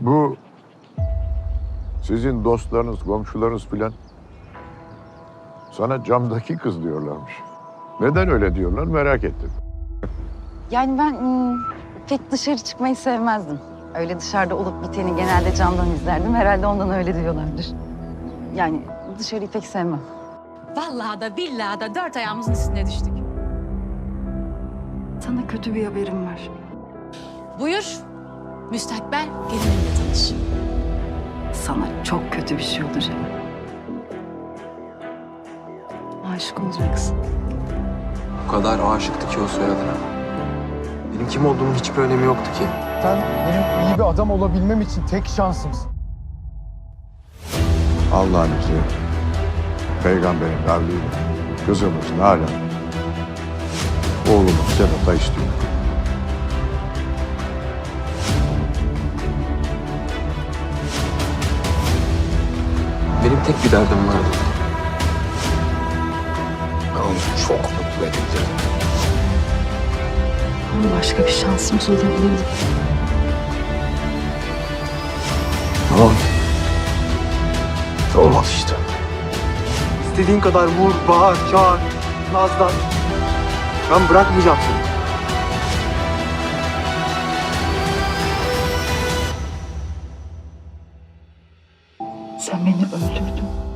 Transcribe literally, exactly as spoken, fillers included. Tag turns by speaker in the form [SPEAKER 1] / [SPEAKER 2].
[SPEAKER 1] Bu sizin dostlarınız, komşularınız filan sana camdaki kız diyorlarmış. Neden öyle diyorlar merak ettim.
[SPEAKER 2] Yani ben hmm, pek dışarı çıkmayı sevmezdim. Öyle dışarıda olup biteni genelde camdan izlerdim. Herhalde ondan öyle diyorlardır. Yani dışarıyı pek sevmem.
[SPEAKER 3] Vallahi da billahi da dört ayağımızın üstüne düştük.
[SPEAKER 2] Sana kötü bir haberim var.
[SPEAKER 3] Buyur. Müstakbel gelinimle tanış.
[SPEAKER 2] Sana çok kötü bir şey olacak. Aşık olacaksın.
[SPEAKER 4] O kadar aşıktı ki o soyadına. Benim kim olduğumun hiçbir önemi yoktu ki.
[SPEAKER 5] Sen benim iyi bir adam olabilmem için tek şansımsın.
[SPEAKER 1] Allah'ın izniyle, peygamberin kavliyle kızımız Nalan oğlumuz Sedat'a istiyor.
[SPEAKER 4] Benim tek bir derdim vardı.
[SPEAKER 1] Ben onu çok mutlu edeceğim.
[SPEAKER 2] Ama başka bir şansımız olabilirdi.
[SPEAKER 1] Tamam. Olmaz işte.
[SPEAKER 4] İstediğin kadar vur, bağır, çağır, nazlan. Ben bırakmayacağım seni.
[SPEAKER 2] Sen beni öldürdün.